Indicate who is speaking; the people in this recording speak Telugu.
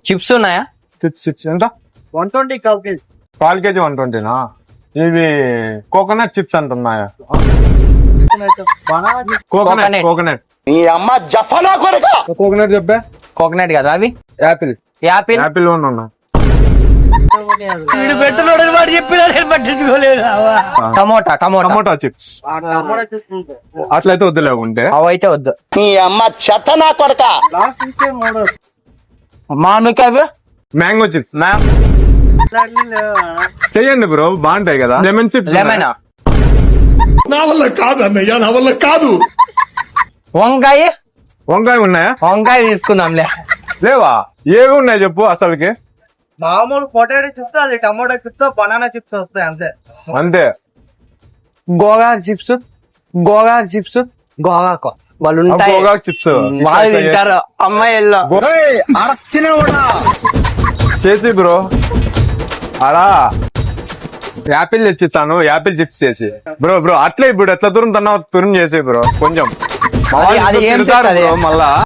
Speaker 1: చిప్స్ ఉన్నాయా?
Speaker 2: చిప్స్ ఎంత?
Speaker 3: 120 కాల్ కేజీ.
Speaker 2: 1/4 kg 120నా? ఇవి కోకోనట్ చిప్స్ అంటున్నాయా? కోకోనట్
Speaker 4: ఈ అమ్మ జఫనా కొడుకు.
Speaker 2: కోకోనట్ చెప్పే.
Speaker 1: కోకోనట్ కదా అవి.
Speaker 2: యాపిల్
Speaker 1: యాపిల్
Speaker 2: ఉన్నా. టమోటా చిప్స్ అట్లయితే వద్దులే ఉంటే.
Speaker 1: అవైతే వద్దు.
Speaker 4: ఈ అమ్మ చెత్తనా కొడుక.
Speaker 3: లాస్ట్ నుంచి 3
Speaker 1: మామిడికాయ
Speaker 2: మ్యాంగో చిప్స్ చెయ్యండి బ్రో, బాగుంటాయి కదా. Lemon chips.
Speaker 1: లెమన్.
Speaker 4: నా వల్ల కాదు అన్నయ్య, నా వల్ల కాదు.
Speaker 1: వంకాయ
Speaker 2: ఉన్నాయా?
Speaker 1: వంకాయ తీసుకుందాంలే.
Speaker 2: లేవా? ఏవి ఉన్నాయి చెప్పు అసలుకి.
Speaker 3: మామూలు పొటాటో చిప్స్, అది టమాటో చిప్స్, బనానా చిప్స్ వస్తాయి అంతే.
Speaker 2: అంతే.
Speaker 1: గోగాకు చిప్స్ గోగాకు వాళ్ళు ఉంటాయి.
Speaker 2: గోగాకు చిప్స్
Speaker 1: వాళ్ళు తింటారు అమ్మాయిల్లో.
Speaker 2: చేసి బ్రో అలా యాపిల్ తెచ్చిస్తాను, యాపిల్ చిప్స్ చేసి. బ్రో అట్లే ఇప్పుడు ఎట్లా తురుము చేసి బ్రో కొంచెం
Speaker 1: అది ఏం
Speaker 2: మళ్ళా